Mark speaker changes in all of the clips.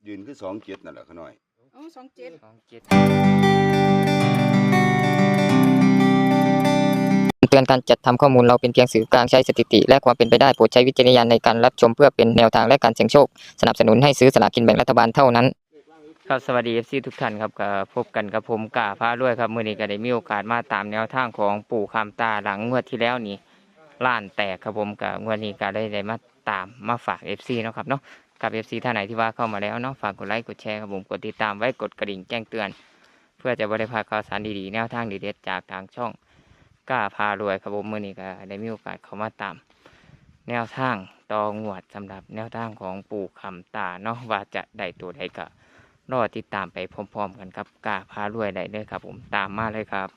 Speaker 1: ยืนคือ27นั่นแหละขน้อย
Speaker 2: อ๋อ27
Speaker 3: เตือนการจัดทำข้อมูลเราเป็นเพียงสื่อกลางใช้สถิติและความเป็นไปได้โปรดใช้วิจารณญาณในการรับชมเพื่อเป็นแนวทางและการเสี่ยงโชคสนับสนุนให้ซื้อสลากกินแบ่งรัฐบาลเท่านั้นครับสวัสดี FC ทุกท่านครับก็พบกันกับผมกาพาด้วยครับมื้อนี้ก็ได้มีโอกาสมาตามแนวทางของปู่คำตาหลังงวดที่แล้วนี่ล้านแตกครับผมก็งวดนี้ก็ได้มาตามมาฝาก FC เนาะครับเนาะกับ FC ท่านไหนที่ว่าเข้ามาแล้วเนาะฝากกดไลค์กดแชร์ครับผมกดติดตามไว้กดกระดิ่งแจ้งเตือนเพื่อจะบ่ได้พลาดข่าวสารดีๆแนวทางดีเด็ดจากทางช่องกล้าพารวยครับผมมื้อนี้ก็ได้มีโอกาสเข้ามาตามแนวทางต่องวดสำหรับแนวทางของปู่คำตาเนาะว่าจะได้ตัวใดก็รอติดตามไปพร้อมๆกันครับกล้าพารวยได้เลยครับผมตามมาเลยครับ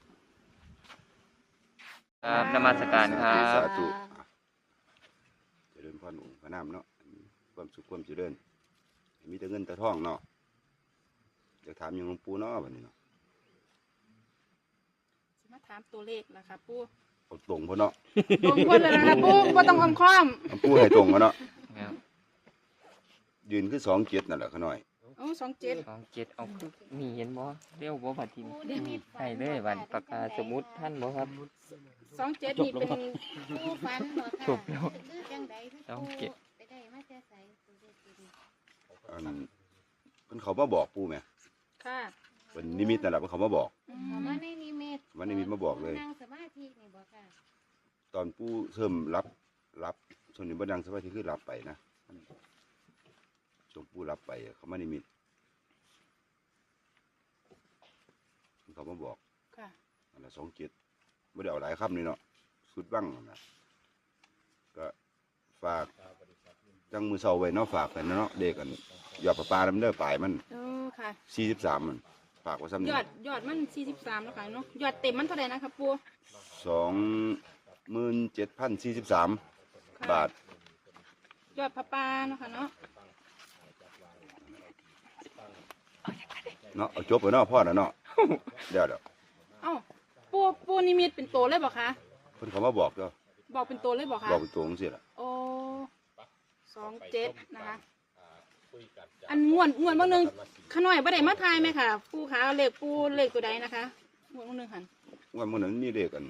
Speaker 3: ครับนมัสการครับ
Speaker 1: สาธุเจริญพรองค์พระนามเนาะความสุขความเจริญมีแต่เงินแต่ทองเนาะจะถามยังหลวงปู่เนาะบัดนี้เนาะ
Speaker 2: สิมาถามตัวเลขล่ะค่ะปู่
Speaker 1: เอาตรงพุ่นเนาะ
Speaker 2: ตรงคนเลยนะคะปู่บ่ต้องอ้อมค้อม
Speaker 1: หลวงปู่ให้ตรงกันเนาะ
Speaker 3: ครับ
Speaker 1: ยืนคือ27นั่นแหละขน้อย
Speaker 2: อ๋อ27
Speaker 3: 27เอาคือมีเห็นบ่เร็วบ่บัดทีนี้ให้เลยบัดปากกาสมุดท่านบ่ครับ
Speaker 2: 27นี่เป็น
Speaker 4: ผู้ฝันบ่ค่ะ
Speaker 3: จบแล้ว
Speaker 4: คือจังใดคือ
Speaker 3: สอง
Speaker 4: ผู้
Speaker 3: เจ็ด
Speaker 4: ไปได้มาแต่ไสตัวเลขตัวนี้
Speaker 1: เพิ่นเขามาบอกปู่แหม
Speaker 2: ค่ะ
Speaker 1: เพิ่นนิมิตนั่นแหละเพิ่นเขามาบอก
Speaker 4: เอามาในนิมิต
Speaker 1: วันนิมิตมาบอกเลย
Speaker 4: นั่งสมาธินี่บ่ค่ะ
Speaker 1: ตอนปู่เริ่มรับส่วนนี้บ่ดังสมาธิคือรับไปนะช่วงปู่รับไปเขามานิมิตเขามาบอก
Speaker 2: ค่ะ
Speaker 1: อันละ27ไม่ได้เอาหลายคำนี่เนาะสุดบ้างนะก็ฝากจังมือเสาไว้เนาะฝากกันเนาะเด็กกันยอดประปาน้ำเด้อปลายมัน
Speaker 2: เออค่ะ
Speaker 1: 43มันฝากไว้ซ้ำ
Speaker 2: ย
Speaker 1: นี่
Speaker 2: อดมัน43แล้วค่ะเนาะยอดเต็มมันเท่าไหร่นะคะปู่
Speaker 1: 27,043 บาท
Speaker 2: ยอดพระปาเนาะค่ะเนาะ
Speaker 1: เนาะเอาจบไปเนาะพ่อแล้วเนาะเดี๋ยว
Speaker 2: เอ้าปู่นิมิตเป็นตัวเลยบ่คะ
Speaker 1: เพิ่นเขามาบอกเจ้า
Speaker 2: บอกเป็นตัวเลยบ่คะ
Speaker 1: บอกเป็นตัวจังซี่ล่ะ
Speaker 2: โอ้27นะคะอันงวดบางนึงขน้อยบ่ได้มาทายไหมค่ะปู่คะเลขปู่เลขตัวใดนะคะงวดบางนึงหั่น
Speaker 1: ว่ามื้อนั้นมีเลขกัน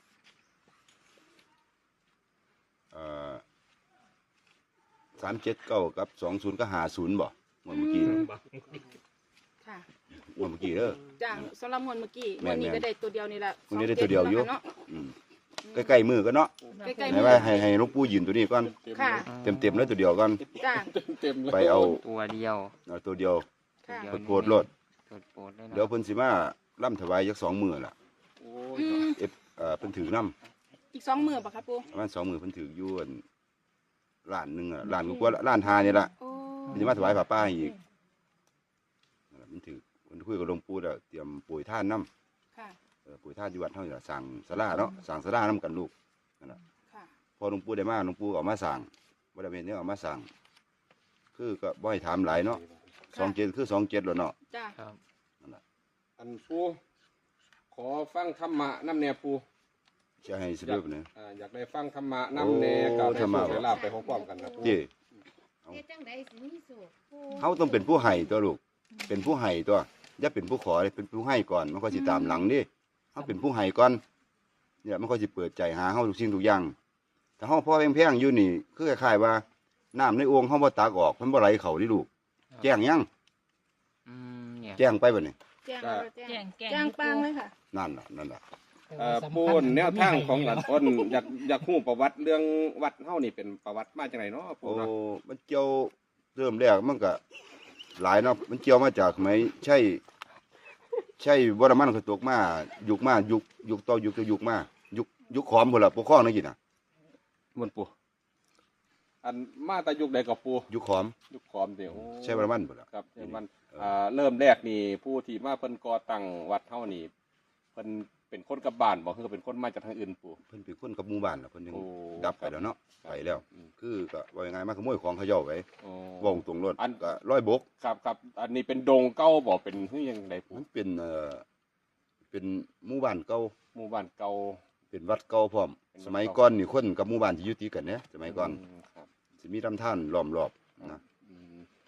Speaker 1: 379กับ20กับ50บ่งวดเมื่อกี้
Speaker 2: ค่ะ
Speaker 1: งวดเมื่อกี้เด้อ
Speaker 2: จ้าสำหรับงวดเมื่อกี้
Speaker 1: แม่
Speaker 2: วัน
Speaker 1: น
Speaker 2: นี้ก็ได้ตัวเดียวนี่แหละ
Speaker 1: วันนี้ได้ตัวเดียวอยู่
Speaker 2: เนาะ
Speaker 1: อืมใกล้ๆมือกันเนาะ
Speaker 2: ใกล้ๆ
Speaker 1: ไหน
Speaker 2: มือ
Speaker 1: ว่าให้หลวงปู่ยืนตัวนี้ก่อน
Speaker 2: ค่ะ
Speaker 1: เต็มๆเลยตัวเดียวก่อน
Speaker 2: จ้า
Speaker 1: ไปเอา
Speaker 3: ตัวเดียว
Speaker 1: ตัวเดียว
Speaker 2: ค่ะ
Speaker 3: เดี๋ยว
Speaker 1: โพดรถ
Speaker 3: โปรดเลยนะ
Speaker 1: เดี๋ยวเพิ่นสิมาล่ำถวายจัก2มื้อล่ะ
Speaker 2: อืม
Speaker 1: เพิ่นถือน้
Speaker 2: อีก2 มื้อป่ะครับปู่
Speaker 1: ำประมาณ2มื้อเพิ่นถืออยู่อั่นล้านหนึงอ่ะล้านกว่าล้านห้านี่ล่ะ
Speaker 2: โอ้
Speaker 1: เพิ่นสิมาถวายผ้าป่าให้อีกนั่นล่ะเพิ่นถือเพิ่นคุยกับหลวงปู่แล้วเตรียมปุ๋ยท่านน้
Speaker 2: ค่ะ
Speaker 1: ำปุ๋ยท่านอยู่วัดเฮานี่ล่ะสั่งศาลาเนาะสั่งศาลานํกันลูกนั่นล่ะ
Speaker 2: ค่ะ
Speaker 1: พอหลวงปู่ได้มาหลวงปู่ก็เอามาสั่งบ่ได้เป็นเนี่ยเอามาสั่งคือก็บ่ให้ถามหลายเนาะ27คือ27แล้วเนาะ
Speaker 2: จ้า
Speaker 3: ครับ
Speaker 5: อันปูขอฟังธรรมะน้ำแน่ปู
Speaker 1: จะให้สิเด้อเนี่ย
Speaker 5: อยากได้ฟังธรรมะน้ำแน่กับได้
Speaker 1: ธรรมะ
Speaker 5: โชคได้ลาภไปพร้อมๆกันนะปู
Speaker 1: เจ้
Speaker 4: เฮ็ดจังใดสิมีสุขผู้
Speaker 1: เขาต้องเป็นผู้ให้ตัวลูก เป็นผู้ให้ตัวอย่าเป็นผู้ขอเลยเป็นผู้ให้ก่อน มันก็สิตามหลังดิเขาเป็นผู้ให้ก่อน เนี่ยมันก็สิเปิดใจหาเฮาทุกสิ่งทุกอย่าง แต่เฮาพ่อแพงๆอยู่นี่ คือคล้ายๆว่าน้ำในโอ่งเฮาบ่ตักออกมันบ่ไหลเข้าดิลูก แจ้งยัง
Speaker 3: เนี่ย
Speaker 1: แจ้งไปบ่นี่
Speaker 2: แจ้งแล้วแจ้งปังเลยค่ะ
Speaker 1: นั่นล่ะ
Speaker 5: ปูนแนวทางของหลานอ้นอยากฮู้ประวัติเรื่องวัดเฮานี่เป็นประวัติมาจากไหนเนาะปู
Speaker 1: โอ้
Speaker 5: เนาะ
Speaker 1: มันเกี่ยวเริ่มแรกมันก็หลายเนาะ มันเกี่ยวมาจากสมัยใช่วรมันก็ตกมายุคต่อยุคมายุคขอมพุ่นล่ะปกครองนั่นกินน่ะ
Speaker 5: มันปูอันมาแต่ยุคใดกับปู
Speaker 1: ยุคขอม
Speaker 5: ยุคขอมเดียว
Speaker 1: ใช่วรมันพุ่นล่ะ
Speaker 5: ครับเดี๋ยวมันเริ่มแรกนี่ผู้ที่มาเพิ่นก่อตั้งวัดเฮานี่เพิ่นเป็นคนกับบ้านบ่คือเป็นคนมาจากทางอื่นปู
Speaker 1: เพิ่นเป็นคนกับหมู่บ้านล่ะเพิ่นยัง
Speaker 5: โอ้
Speaker 1: ดับไปแล้วเนาะไปแล้ว
Speaker 5: อืม
Speaker 1: คือก็ว่ายังไงมาขโมยของเขาเจ้าไป
Speaker 5: โอ้
Speaker 1: ว่องตรงรถ
Speaker 5: อัน
Speaker 1: ก็ร้อยบก
Speaker 5: ครับอันนี้เป็นดงเก่าบ่เป็นคือยังไงปู
Speaker 1: มันเป็นหมู่บ้านเก่า
Speaker 5: หมู่บ้านเก่า
Speaker 1: เป็นวัดเก่าพร้อม
Speaker 5: เป็นวัดเก่า
Speaker 1: สมัยก่อนนี่คนกับหมู่บ้านที่อยู่ติดกันเนี่ยสมัยก่อน
Speaker 5: ครับ
Speaker 1: สิมีลำธารล้อมรอบนะ
Speaker 5: อืม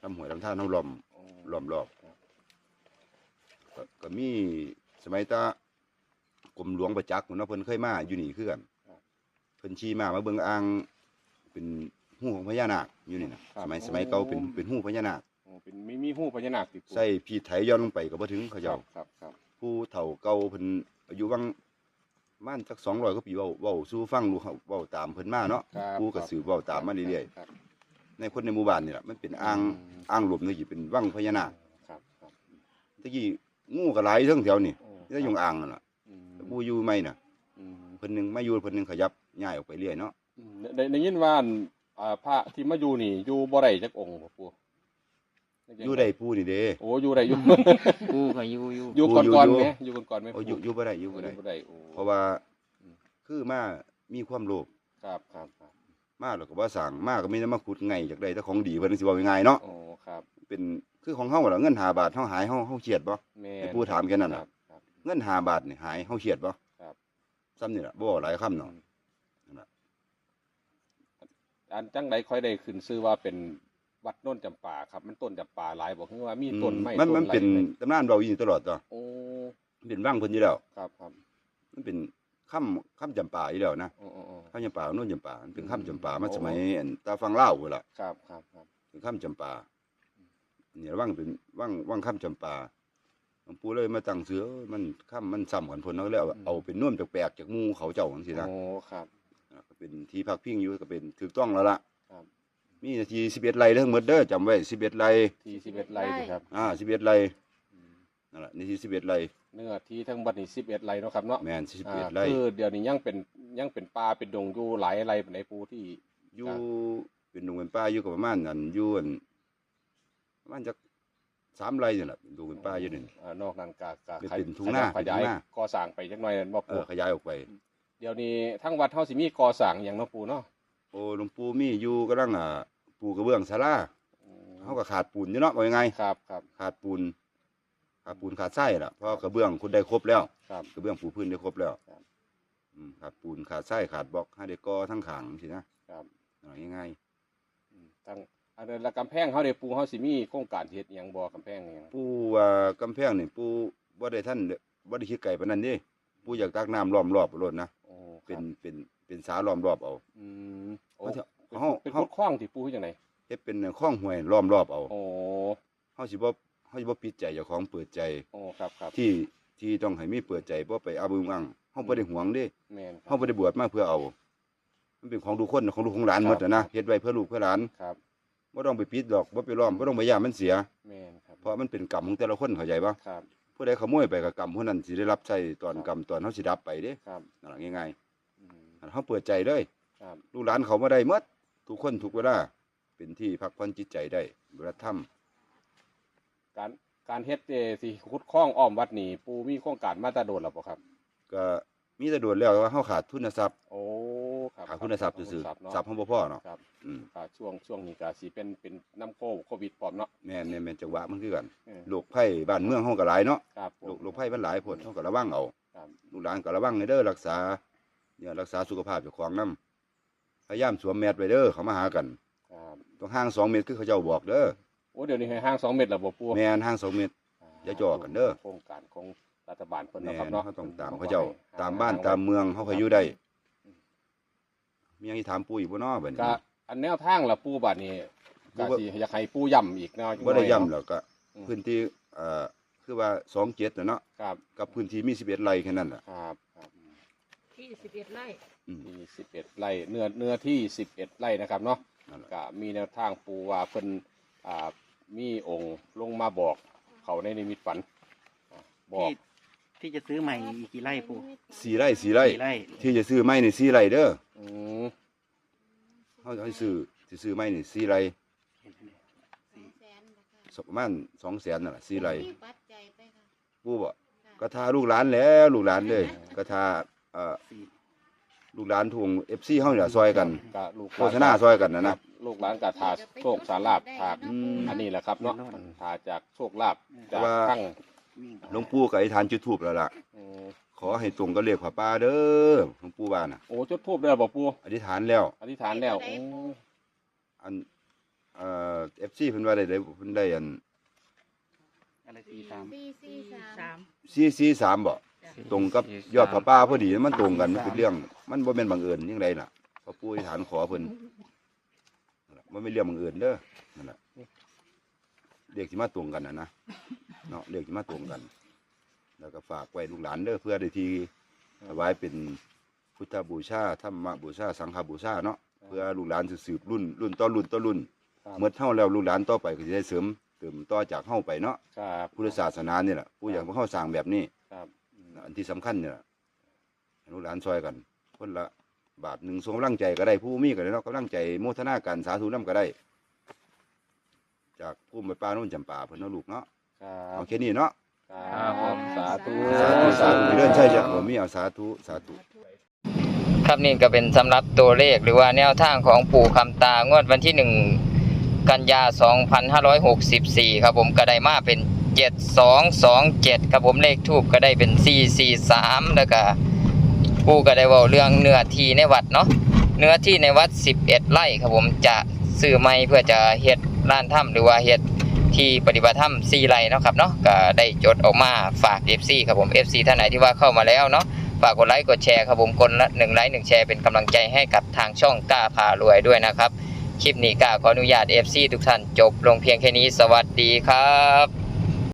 Speaker 1: ลำห้วยลำธารเฮาล้อม
Speaker 5: โอ้
Speaker 1: ล้อมรอบก็มีสมัยตากรมหลวงประจักษ์เนาะเพิ่นเคยมาอยู่นี่คือกันเพิ่นชี้มาเบิ่งอ่างเป็นหูของพญานาคอยู่นี่นะสมัยเก่าเป็นหูพญานาค
Speaker 5: โอ้เป็นมีหูพญานาคติด
Speaker 1: ใส่พีไถย้อนลงไปก็บ่ถึงเขา
Speaker 5: ครั
Speaker 1: เจ้า
Speaker 5: บครับ
Speaker 1: ผู้เฒ่าเก่าเพิ่นอายุวังประมาณสัก200กว่าปีเว้าสู่ฟังดูเขาเว้าตามเพิ่นมาเนาะ
Speaker 5: ครับ
Speaker 1: ผู้ก็สืบเว้าตามมาเรื่อย
Speaker 5: ครับ
Speaker 1: ๆในคนในหมู่บ้านนี่ล่ะมันเป็นอ่างหลวมนี่สิเป็นวังพญานาค
Speaker 5: ครับ
Speaker 1: ตะกี้งูก็หลายเทั้งแถวนี่
Speaker 5: โอ้
Speaker 1: ได้อยู่อ่างนั่นล่ะ
Speaker 5: อืม
Speaker 1: ผู้อยู่ใหม่น่ะ
Speaker 5: อืม
Speaker 1: เพิ่นหนึงมาอยู่เพิ่นหนึงขยับย้ายออกไปเรื่อยเนาะ
Speaker 5: ได้ยินว่าพระที่มาอยู่นี่อยู่บ่ได้จักองค์บ่ปู่
Speaker 1: อยู่ได้ผู้นี่เด้
Speaker 5: โอ้อยู่ได้อยู่
Speaker 3: ปูก็อยู่
Speaker 5: อยู่ก่อนๆไหมอยู่ก่อนๆไหม
Speaker 1: โอ้อยู่บ่ได้อยู่บ่ได้
Speaker 5: บ่ได้โอ้
Speaker 1: เพราะว่า
Speaker 5: อืม
Speaker 1: คือมามีความโลภ
Speaker 5: ครับ
Speaker 1: มาแล้วก็บ่สร้างมาก็มีแต่มาขุดไงจากได้แต่ของดีเพิ่นสิเว้าง่ายๆเนาะ
Speaker 5: โอ้ครับ
Speaker 1: เป็นคือของเฮาล่ะเงิน5 บาทเฮาหายเฮาเครียดบ่
Speaker 5: แม่
Speaker 1: ให้ปู่ถามแค่นั้น
Speaker 5: ค
Speaker 1: น่ะ
Speaker 5: รับ
Speaker 1: เงิน5 บาทนี่หายเฮาเครียดบ่
Speaker 5: ครับ
Speaker 1: ซ้ำนี่ล่ะบ่หลายคำเนาะ
Speaker 5: อันจังไดค่อยได้ขึ้นชื่อว่าเป็นวัดโน่นจำปาครับ มันต้นจำปาหลายบ่คือว่ามีต้นไม้
Speaker 1: มัน
Speaker 5: ต้น
Speaker 1: เป็น
Speaker 5: ไร
Speaker 1: ตำนานเราอยู่นี่ตลอดตัว
Speaker 5: โอ้
Speaker 1: มันเป็นว่างเพิ่นอยู่แล้ว
Speaker 5: ครับ
Speaker 1: มันเป็นค่ำจำปาอยู่แล้วนะ
Speaker 5: โอ้
Speaker 1: ค่ำจำปาโน่นจำปามันเป็นค่ำจำปามาสมัยอันตาฟังเล่าวพุ่นล่ะ
Speaker 5: ครับ
Speaker 1: เป็นค่ำจำปานี่ว่างเป็นว่างค่ำจำปาหลวงปู่เลยมาตั้งเสือมันค่ำมันซ้ำกันเพิ่นเนาะแล้วเอาเป็นน่วมแปลกๆจากหมู่เขาเจ้าจังซี่นะ
Speaker 5: โอ้ครับ
Speaker 1: ก็เป็นที่พักพิงอยู่ก็เป็นถูกต้องแล้วล่ะ
Speaker 5: ครับ
Speaker 1: มีนาที11ไร่ทั้งหมดเด้อจำไว้11ไร่
Speaker 5: ที่11ไร่สิครับ
Speaker 1: 11ไร่นั่นล่ะนาที11ไร่
Speaker 5: เนื้อที่ทั้งบัดนี้11ไร่เนาะครับเนาะ
Speaker 1: แม่น11ไร่
Speaker 5: คือเดี๋ยวนี้ยังเป็นป่าเป็นดงอยู่หลายไร่ปานใดปูที่
Speaker 1: อยู่เป็นดงเป็นป่าอยู่ก็ประมาณนั้นอยู่อันประมาณจัก3ไร่นี่แหละเป็นดงเป็นป่าอยู่นี่
Speaker 5: นอกนั้นก็
Speaker 1: เป็นทุ่งนา
Speaker 5: ขยาย
Speaker 1: เป็นทุ่งนา
Speaker 5: ก่อสร้างไปจักหน่อยบ่ปู
Speaker 1: ขยายออกไป
Speaker 5: เดี๋ยวนี้ทั้งวัดเฮาสิมีก่อสร้างหยังเนาะปูเนาะ
Speaker 1: โอ้หลวงปู่มีอยู่กำลังปูกระเบื้องศาลาเฮาก็ขาดปูนอยู่เนาะว่ายังไง
Speaker 5: ครับ
Speaker 1: ขาดปูนขาดทรายล่ะเพราะกระเบื้องคุณได้ครบแล้ว
Speaker 5: ครับ
Speaker 1: กระเบื้องปูพื้นได้ครบแล้ว
Speaker 5: ครับ
Speaker 1: ขาดปูนขาดทรายขาดบล็อกให้ได้ก่อทั้งขางสินะครับ ง่าย
Speaker 5: ทั้งอันนั้นละกำแพงเฮาได้ปูเฮาสิมีโครงการเฮ็ดหยังบ่กำแพงหยัง
Speaker 1: ๆปู่ว่ากำแพงนี่ปู่บ่ได้บ่ได้คิดไกลปานนั้นเด้ปู่อยากตักน้ำล้อมรอบโลดนะ
Speaker 5: โอ้ค
Speaker 1: เป็
Speaker 5: รับ
Speaker 1: นสาล้อมรอบเอา
Speaker 5: อืมโอ้
Speaker 1: เฮา
Speaker 5: เป็นขุดคลองที่ปูเฮ็ดจังได
Speaker 1: เฮ็ดเป็นคลองห้วยล้อมรอบเอา
Speaker 5: โอ้
Speaker 1: เฮาสิบ่ปิดใจเจ้าของเปิดใจ
Speaker 5: โอ้ครับ
Speaker 1: ที่ต้องให้มีเปิดใจบ่ไปเอาบึงอังเฮาบ่ได้หวงเด้
Speaker 5: แม่นค
Speaker 1: เฮา
Speaker 5: รับ
Speaker 1: บ่ได้บวชมาเพื่อเอา มันเป็นของทุกคนของลูกของหลาน
Speaker 5: ครับ
Speaker 1: หมดนะเฮ็ดไว้เพื่อลูกเพื่อหลาน
Speaker 5: ครับ
Speaker 1: บ่ต้องไปปิดดอกบ่ไปล้อมบ่ต้องไปย่ามันเสีย
Speaker 5: แม่นครับ
Speaker 1: เพราะมันเป็นกรรมของแต่ละคนเข้าใจบ่
Speaker 5: ครับ
Speaker 1: ผู้ใดขโมยไปก็กรรมผู้นั้นสิได้รับใช้ตอนกรรมตอนเฮาสิดับไปเด้
Speaker 5: ครับ
Speaker 1: นั่นล่ะง่าย
Speaker 5: อืม
Speaker 1: ๆเฮาเปิดใจเลย
Speaker 5: ครับ
Speaker 1: ลูกหลานเขาบ่ได้หมดทุกคนทุกเวลาเป็นที่พักผ่อนจิตใจได้เวลาทำ
Speaker 5: การเฮ็ดสิขุดคลองอ้อมวัดนี่ปูมีโครงการมาแตาโดนแล้วบ่ครับ
Speaker 1: ก็มีแต่โดดแล้วว่าเฮาขาดทุนทรัพย์
Speaker 5: โอ้ครับ
Speaker 1: ขาดทุนทรัพย์ซื่อ
Speaker 5: ครับเนาะ
Speaker 1: ๆทรัพย์เฮาบ่พอเนาะ
Speaker 5: ครับ
Speaker 1: อืม
Speaker 5: ช่วงนี้ก็สิเป็นน้ำโควิดพร้อมเนาะ
Speaker 1: แม่นจังหวะมันคือกัน
Speaker 5: เออ
Speaker 1: โรคภัยบ้านเมืองเฮาก็หลายเนาะ
Speaker 5: ครับผม
Speaker 1: โรคภัยมันหลายโพดเฮาก็ระวังเอา
Speaker 5: ครับ
Speaker 1: ลูกหลานก็ระวังให้เด้อรักษารักษาสุขภาพเจ้าของนำพยายามสวมแมสไว้เด้อเขามาหากัน
Speaker 5: ครับ
Speaker 1: ต้องห่าง2เมตรคือเขาเจ้าบอกเด้อ
Speaker 5: โอ้เดี๋ยวนี้ให้ห้าง2 เมตรแล้วบ่ปู
Speaker 1: แม่นห่าง2เมตร อย่าจ่อกันเด้อ
Speaker 5: โครงการของรัฐบาลเพิ่น
Speaker 1: แม่
Speaker 5: เนาะครับ
Speaker 1: น
Speaker 5: เนาะ
Speaker 1: เขาต้องตามเขาเจ้าตามบ้านตามเมืองเขาเคยอยู่ได้มีหยังสิถามปู่อีกบ่เนาะบัด
Speaker 5: ก็
Speaker 1: นี้
Speaker 5: อันแนวทางละปูบัดนี้
Speaker 1: ปู
Speaker 5: ก็
Speaker 1: ว่า
Speaker 5: สิอยากให้ปูย้ำอีกเนาะ
Speaker 1: บ่ได้ย้ำแล้วก็
Speaker 5: อืม
Speaker 1: พื้นที่คือว่า27น่ะเนาะ
Speaker 5: ครับ
Speaker 1: กับพื้นที่มี11ไร่แค่นั้นล่ะ
Speaker 5: ครับ
Speaker 2: ที่11ไร่
Speaker 1: อืม
Speaker 5: มี11ไร่เนื้อที่11ไร่นะครับเนาะ
Speaker 1: นั่นล่ะ
Speaker 5: ก็มีแนวทางปูว่าเพิ่นมีองค์ลงมาบอกเขาในนิมิตฝันบอก
Speaker 6: ที่จะซื้อใหม่อีกกี่ไร่ปู
Speaker 1: 4ไร่4ไร่
Speaker 6: กี่ไร่
Speaker 1: ที่จะซื้อไม้นี่4ไร่เด้อ
Speaker 5: อืม
Speaker 1: เฮาสิซื้อไม้นี่4ไร่
Speaker 4: 200,000บ่ค่ะ
Speaker 1: ประมาณ200,000นั่นล่ะ4ไร่
Speaker 4: มีปัจจัยไปค่ะ
Speaker 1: ปู่บ่
Speaker 4: ค่ะ
Speaker 1: ก็ทาลูกหลานแหล้วลูกหลานเลยก็ทา
Speaker 6: สี่
Speaker 1: ลูกหลานทวง FC เฮานี่ล่ะซอยกัน
Speaker 5: ก็ลูก
Speaker 1: โฆษณาซอยกันนะ
Speaker 5: ลูกหลานก็ทาโชคสาลาบทา
Speaker 1: อืม
Speaker 5: อันนี้แหละครับเนาะทาจากโชคลาภ
Speaker 1: แต่
Speaker 5: จาก
Speaker 1: ว่า
Speaker 5: ทั้ง
Speaker 6: วิ่ง
Speaker 1: หลวงปู่ก็อธิษฐานจุดธูปแล้วล่ะ
Speaker 5: อืม
Speaker 1: ขอให้ตรงกับเลขผ้าป่าเด้อหลวงปู่ว่าน่ะ
Speaker 5: โอ้จุดทูบได้บ่ปู
Speaker 1: อธิษฐานแล้ว
Speaker 5: อธิษฐานแล้ว
Speaker 4: ได้
Speaker 5: โอ้
Speaker 4: ปู
Speaker 1: อัน FC เพิ่นว่าได้เพิ่นได้อัน
Speaker 6: อะไร43
Speaker 1: 443บ่ตรงกับยอดพระป่าพอดีมันตรงกันมันเป็นเรื่องมันบ่แม่นบังเอิญจังไดล่ะพระปู่อธิษฐานขอเพิ่นนั่นล่ะมันไม่เรื่องบังเอิญเด้อนั่นล่ะเลขสิมาตรงกันนะเนาะเลขสิมาตรงกัน แล้วก็ฝากไว้ลูกหลานเด้อเพื่อได้ที่ถวายเป็นพุทธบูชาธรรมบูชาสังฆบูชาเนาะเพื่อลูกหลานจะสืบรุ่นต่อรุ่นเมื่อเท่าแล้วลูกหลานต่อไปก็จะได้เสริมเติมต่อจากเฮาไปเนาะ
Speaker 5: ครับ
Speaker 1: พุทธศาสนานี่แหละผู้อยากเฮาสร้างแบบนี้
Speaker 5: ครับ
Speaker 1: อันที่สำคัญเนี่ยล่ะให้ลูกหลานช่วยกันคนละบาทหนึ่งส่งกำลังใจก็ได้ผู้มีก็ได้เนาะกำลังใจโมทนากันสาธุนำก็ได้ จากผู้ไปป้าโน่นจำป่าเพิ่นเนาะลูกเนาะ
Speaker 5: ครั
Speaker 1: เอา
Speaker 5: บ
Speaker 1: แค่นี้เนาะ
Speaker 5: ครับสาธุ
Speaker 1: สาธุเรื่องใช่จ้ะผมมีเอาสาธุสาธุ
Speaker 3: ครับนี่ก็เป็นสำหรับตัวเลขหรือว่าแนวทางของปู่คำตางวดวันที่ 1 กันยา 2564 ครับผมก็ได้มาเป็น 7227 ครับผมเลขทูปก็ได้เป็น 443 แล้วก็ปู่ก็ได้เว้าเรื่องเนื้อที่ในวัดเนาะเนื้อที่ในวัด 11 ไร่ครับผมจะซื้อใหม่เพื่อจะเฮ็ดร้านถ้ำหรือว่าเฮ็ดที่ปฏิบัติธรรม4ไร่เนาะครับเนาะก็ได้จดออกมาฝาก FC ครับผม FC ท่านไหนที่ว่าเข้ามาแล้วเนาะฝากกดไลค์กดแชร์ครับผมคนละ1ไลค์1แชร์เป็นกำลังใจให้กับทางช่องกล้าพารวยด้วยนะครับคลิปนี้กล้าขออนุญาต FC ทุกท่านจบลงเพียงแค่นี้สวัสดีครับ